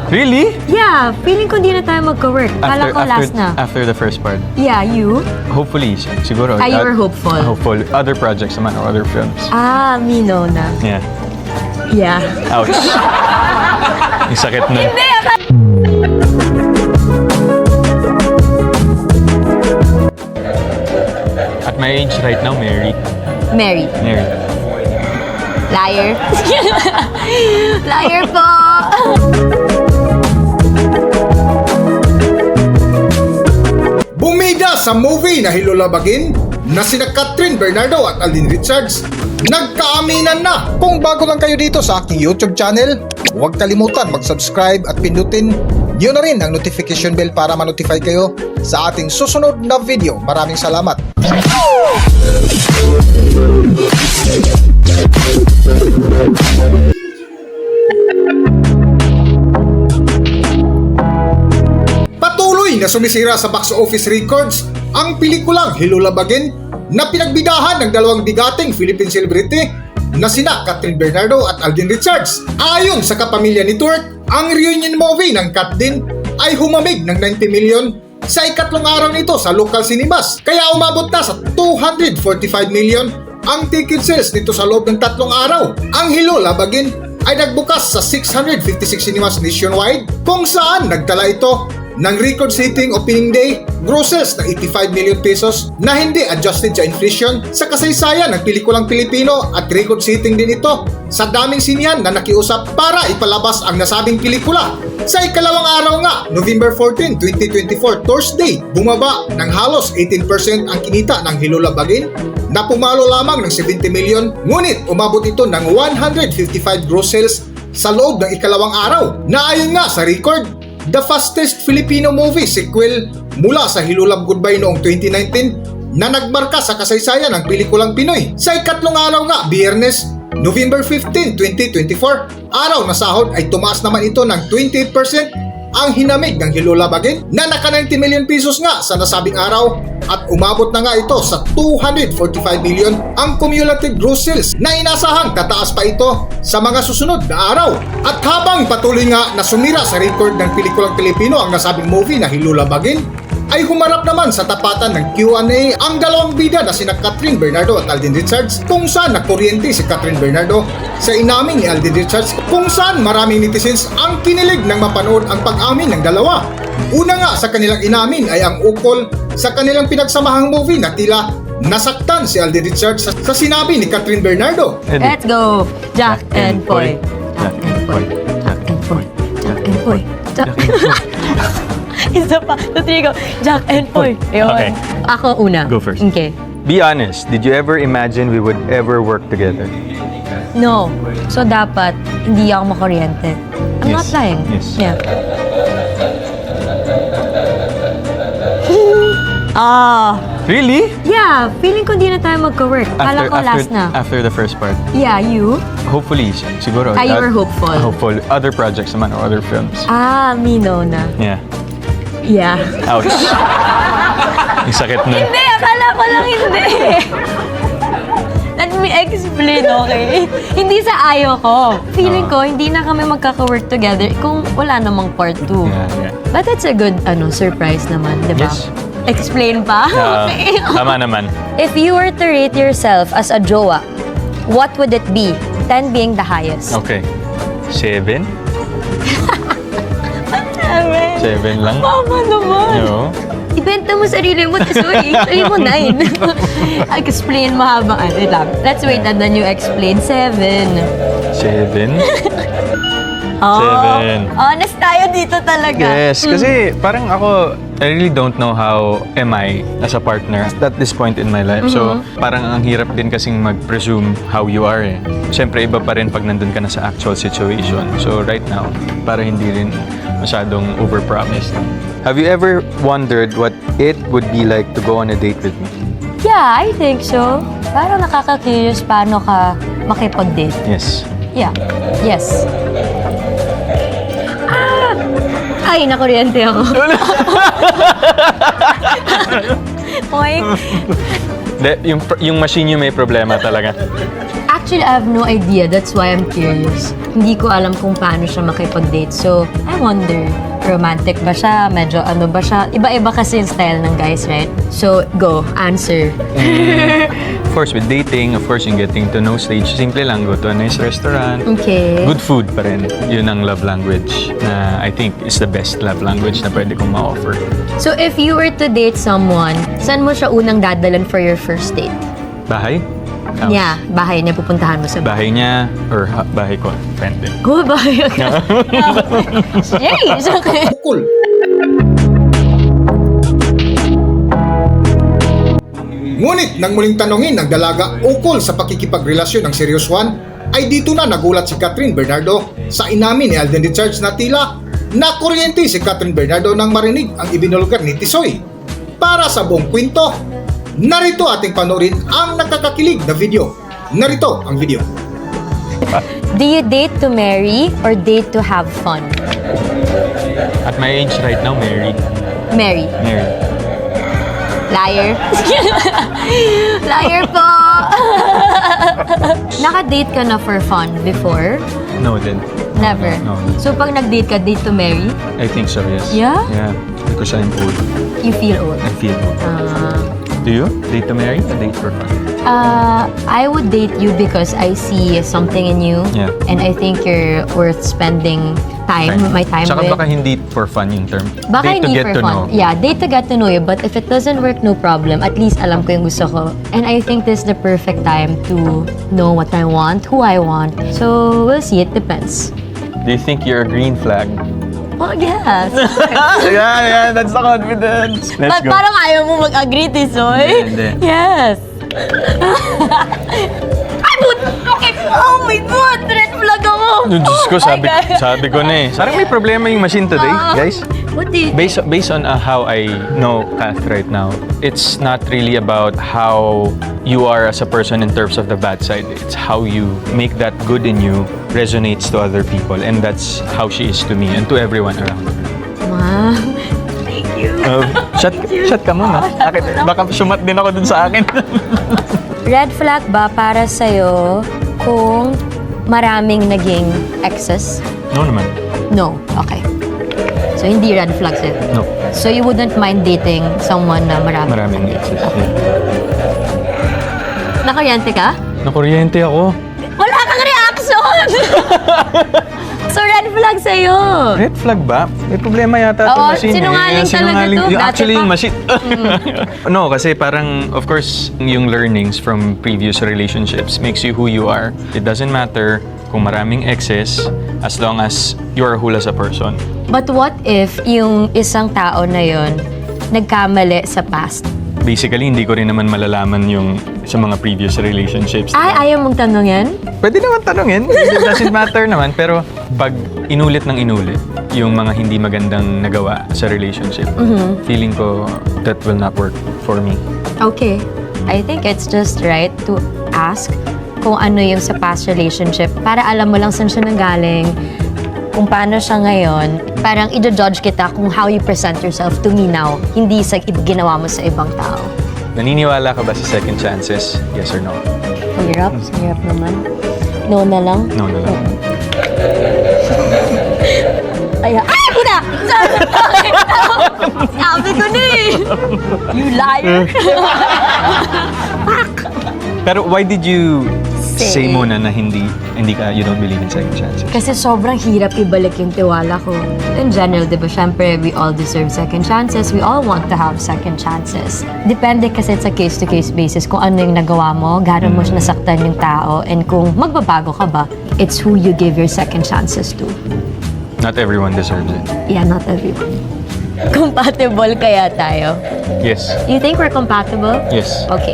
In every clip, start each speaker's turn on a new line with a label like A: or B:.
A: Really?
B: Yeah, feeling ko di na tayo magka-work. Kala ko last na.
A: After the first part.
B: Yeah, you?
A: Hopefully, siguro.
B: You were hopeful.
A: Hopeful. Other projects naman or other films.
B: Me no na.
A: Yeah.
B: Yeah.
A: Ouch. Ang sakit na.
B: Hindi,
A: At my age right now, Mary.
B: Mary. Liar. Liar po.
C: Bumida sa movie na Hilulabagin na sina Catherine Bernardo at Alden Richards, nagkaaminan na. Kung bago lang kayo dito sa aking YouTube channel, huwag kalimutan mag-subscribe at pindutin nyo na rin ang notification bell para ma-notify kayo sa ating susunod na video. Maraming salamat. Patuloy na sumisira sa box office records ang pelikulang Hilulabagin na pinagbidahan ng dalawang bigating Philippine celebrity na sina Catherine Bernardo at Alden Richards. Ayon sa kapamilya ni Turk, ang reunion movie ng Kat din ay humamig ng 90 million sa ikatlong araw nito sa local cinemas. Kaya umabot na sa 245 million ang ticket sales nito sa loob ng 3 araw. Ang Hilulabagin ay nagbukas sa 656 cinemas nationwide kung saan nagtala ito ng record-setting opening day grosses na 85 million pesos na hindi adjusted sa inflation sa kasaysayan ng pelikulang Pilipino at record-setting din ito sa daming sinihan na nakiusap para ipalabas ang nasabing pelikula. Sa ikalawang araw nga, November 14, 2024, Thursday, bumaba ng halos 18% ang kinita ng Hilulabagin na pumalo lamang ng 70 million, ngunit umabot ito ng 155 gross sales sa loob ng ikalawang araw na ayon nga sa record, the fastest Filipino movie sequel mula sa Hilulab Goodbye noong 2019 na nagmarka sa kasaysayan ng pelikulang Pinoy. Sa ikatlong araw nga, Biyernes, November 15, 2024, araw na sahod ay tumaas naman ito ng 28% ang hinamig ng Hilulabagin na naka 90 million pesos nga sa nasabing araw at umabot na nga ito sa 245 million ang cumulative gross sales na inasahang tataas pa ito sa mga susunod na araw. At habang patuloy nga na sumira sa record ng pelikulang Pilipino ang nasabing movie na Hilulabagin, ay humarap naman sa tapatan ng Q&A ang dalawang bida na sina Catherine Bernardo at Alden Richards kung saan nakuryente si Catherine Bernardo sa inamin ni Alden Richards kung saan maraming netizens ang kinilig nang mapanood ang pag-amin ng dalawa. Una nga sa kanilang inamin ay ang ukol sa kanilang pinagsamahang movie na tila nasaktan si Alden Richards sa sinabi ni Catherine Bernardo.
B: Let's go. Jack and Poy. Jack and Poy. Jack and Poy. Jack and Poy. Jack and Poy. Isa pa. So, three go. Jack and Poy.
A: Okay.
B: Ako una.
A: Go first.
B: Okay.
A: Be honest, did you ever imagine we would ever work together?
B: No. So, dapat hindi ako makuryente. I'm not lying.
A: Yes.
B: Yeah.
A: Really?
B: Yeah, feeling ko di na tayo magka-work. Kala ko last na.
A: After the first part.
B: Yeah, you?
A: Hopefully, siguro.
B: You were hopeful.
A: Hopeful. Other projects naman or other films.
B: Me no na.
A: Yeah.
B: Yeah.
A: Ouch. Ang sakit na.
B: Hindi, akala ko lang hindi. Let me explain, okay? Hindi sa ayaw ko. Feeling ko, hindi na kami magkaka-work together kung wala namang part 2.
A: Yeah.
B: But it's a good surprise naman, di ba?
A: Yes.
B: Explain pa? Okay.
A: Tama naman.
B: If you were to rate yourself as a jowa, what would it be? 10 being the highest.
A: Okay. 7?
B: 7.
A: 7 lang.
B: Mama naman.
A: No?
B: Ibenta mo sarili mo. Sorry, sarili mo 9. Explain mo habang lang. Let's wait and then you explain. 7.
A: 7?
B: Oh,
A: 7.
B: honest tayo dito talaga.
A: Yes, kasi parang ako, I really don't know how am I as a partner at this point in my life. So, parang ang hirap din kasing mag-presume how you are eh. Siyempre, iba pa rin pag nandun ka na sa actual situation. So, right now, para hindi rin masyadong overpromised. Have you ever wondered what it would be like to go on a date with me?
B: Yeah, I think so. Parang nakaka-curious paano ka makipag-date.
A: Yes.
B: Yeah. Yes. Ay, nakuryente ako. Oink.
A: Yung machine yung may problema talaga.
B: Actually, I have no idea. That's why I'm curious. Hindi ko alam kung paano siya makipag-date. So, I wonder, romantic ba siya? Medyo ano ba siya? Iba-iba kasi yung style ng guys, right? So, go. Answer.
A: Of course, with dating, of course, yung getting to know stage, simple lang, go to a nice restaurant.
B: Okay.
A: Good food pa rin. Yun ang love language na I think is the best love language na pwede kong ma-offer.
B: So, if you were to date someone, saan mo siya unang dadalan for your first date?
A: Bahay? House.
B: Yeah, bahay niya pupuntahan mo sa
A: Bahay niya or bahay ko. Depende.
B: Oh, bahay agad. Jeez, okay.
C: Ukol. Ngunit nang muling tanongin ng dalaga ukol sa pakikipagrelasyon ng Serious One, ay dito na nagulat si Catherine Bernardo sa inamin ni Alden Richards na tila nakuryente si Catherine Bernardo nang marinig ang ibinulgar ni Tisoy. Para sa buong kwento, narito ating panoorin ang nakakakilig na video. Narito ang video.
B: Do you date to marry or date to have fun?
A: At my age right now, married.
B: Marry.
A: Married.
B: Liar. Liar po. Naka-date ka na for fun before?
A: No, then.
B: Never.
A: No.
B: So pag nag-date ka, date to marry,
A: I think so, yes.
B: Yeah?
A: Yeah. Because I'm old.
B: you feel old.
A: I feel old. Do you? Date to marry or date for fun?
B: I would date you because I see something in you.
A: Yeah.
B: And I think you're worth spending my time
A: Tsaka
B: with.
A: baka hindi for fun yung term.
B: Baka
A: date to
B: hindi
A: get
B: for
A: to
B: fun.
A: know.
B: Yeah, date to get to know you. But if it doesn't work, no problem. At least alam ko yung gusto ko. And I think this is the perfect time to know what I want, who I want. So, we'll see. It depends.
A: Do you think you're a green flag?
B: Well, yes.
A: yeah, that's the confidence. Let's
B: But parang ayaw mo mag-agree, Tisoy.
A: Hindi.
B: Yes. Ay, okay. Oh my God! Red flag ako!
A: Diyos ko,
B: Oh my God.
A: sabi ko na eh. Parang may problema yung machine today, guys.
B: What do you
A: Based on how I know Kath right now, it's not really about how you are as a person in terms of the bad side. It's how you make that good in you resonates to other people, and that's how she is to me and to everyone around her.
B: Wow. Thank you.
A: Shut ka muna. Baka sumat din ako dun sa akin.
B: Red flag ba para sa'yo kung maraming naging exes?
A: No naman.
B: No. Okay. So, hindi red flag sa'yo?
A: No.
B: So, you wouldn't mind dating someone na
A: Maraming exes. Yeah.
B: Nakaryente ka?
A: Nakuryente ako.
B: Wala kang reaction! So, red flag sa'yo.
A: Red flag ba? May problema yata
B: Oo,
A: itong machine.
B: sinungaling talaga to.
A: Yung
B: Dati
A: actually,
B: pa.
A: yung machine. No, kasi parang, of course, yung learnings from previous relationships makes you who you are. It doesn't matter kung maraming exes as long as you're whole as a person.
B: But what if yung isang tao na yon nagkamali sa past?
A: Basically, hindi ko rin naman malalaman yung sa mga previous relationships.
B: Ay, ayaw mong tanungin?
A: Pwede naman tanungin. It doesn't matter naman. Pero pag inulit ng inulit yung mga hindi magandang nagawa sa relationship, feeling ko that will not work for me.
B: Okay. I think it's just right to ask kung ano yung sa past relationship para alam mo lang saan siya nanggaling, kung paano siya ngayon. Parang i-judge kita kung how you present yourself to me now, hindi sa ginawa mo sa ibang tao.
A: Naniniwala ka ba sa second chances? Yes or no?
B: Hirap. Hirap naman. No na lang.
A: No na lang.
B: Ay, puta! Sabi ko na eh! You liar!
A: Pero why did you say
B: Say.
A: muna na you don't believe in second chances?
B: Kasi sobrang hirap ibalik yung tiwala ko. In general, di ba, syempre, we all deserve second chances. We all want to have second chances. Depende kasi sa case-to-case basis kung ano yung nagawa mo, gano'n mo nasaktan yung tao, and kung magbabago ka ba, it's who you give your second chances to.
A: Not everyone deserves it.
B: Yeah, not everyone. Compatible kaya tayo?
A: Yes.
B: You think we're compatible?
A: Yes.
B: Okay.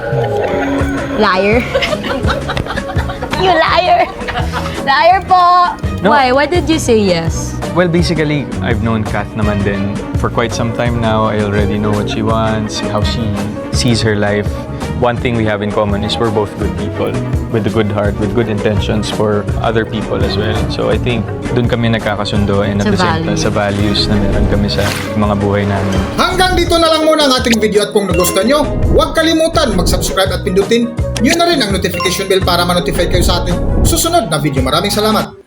B: Liar. You liar. Liar po.
A: No.
B: Why? Why did you say yes?
A: Well, basically, I've known Kath naman din for quite some time now. I already know what she wants, how she sees her life. One thing we have in common is we're both good people with a good heart, with good intentions for other people as well. So I think dun kami nagkakasundo and at
B: Sa
A: the same time
B: values.
A: sa values na meron kami sa mga buhay namin.
C: Hanggang dito na lang muna ang ating video at kung nagustuhan nyo, huwag kalimutan mag-subscribe at pindutin nyo na rin ang notification bell para ma-notify kayo sa ating susunod na video. Maraming salamat!